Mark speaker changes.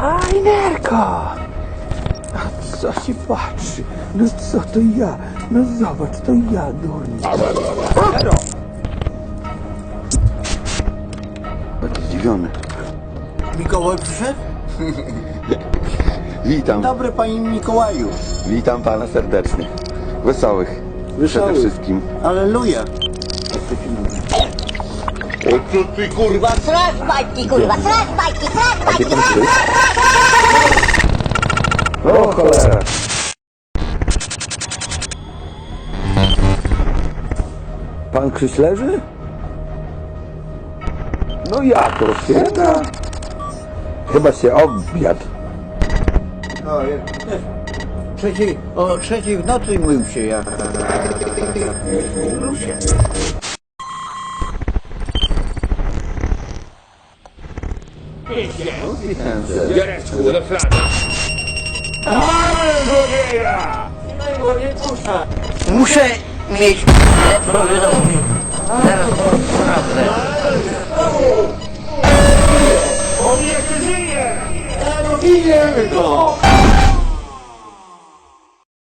Speaker 1: Fajnerko! A co się patrzy? No co to ja? No zobacz, to ja, durnie. Zero! Taki zdziwiony.
Speaker 2: Mikołaj przyszedł?
Speaker 1: Witam.
Speaker 2: Dobry panie Mikołaju.
Speaker 1: Witam pana serdecznie. Wesołych. Przede wszystkim.
Speaker 2: Alleluja.
Speaker 3: Co ty kurwa?
Speaker 4: Sraż bajki, kurwa, sraż bajki, sraż bajki,
Speaker 1: Gdzie pan jest? O cholera. Pan Krzyś leży? No jak to święta? Chyba się obiad.
Speaker 2: O trzeciej w nocy mył się ja. Mył się.
Speaker 3: Jareczku, do flana.
Speaker 2: Muszę mieć lepszą wiadomość. Zaraz sprawdzę.
Speaker 3: On jeszcze żyje!
Speaker 2: Bijemy go!